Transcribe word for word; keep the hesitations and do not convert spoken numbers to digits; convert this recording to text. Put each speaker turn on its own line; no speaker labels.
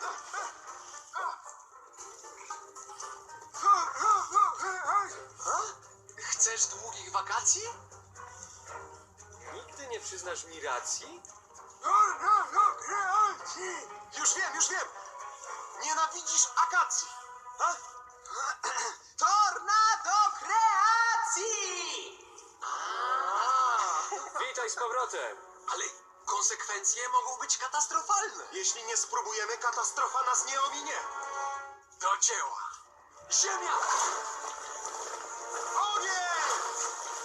Chcesz długich wakacji?
Nigdy nie przyznasz mi racji?
Już wiem, już wiem! Nienawidzisz akacji! A? Tornado kreacji!
Witaj z powrotem!
Ale konsekwencje mogą być katastrofalne.
Jeśli nie spróbujemy, katastrofa nas nie ominie.
Do dzieła! Ziemia!
Ogień!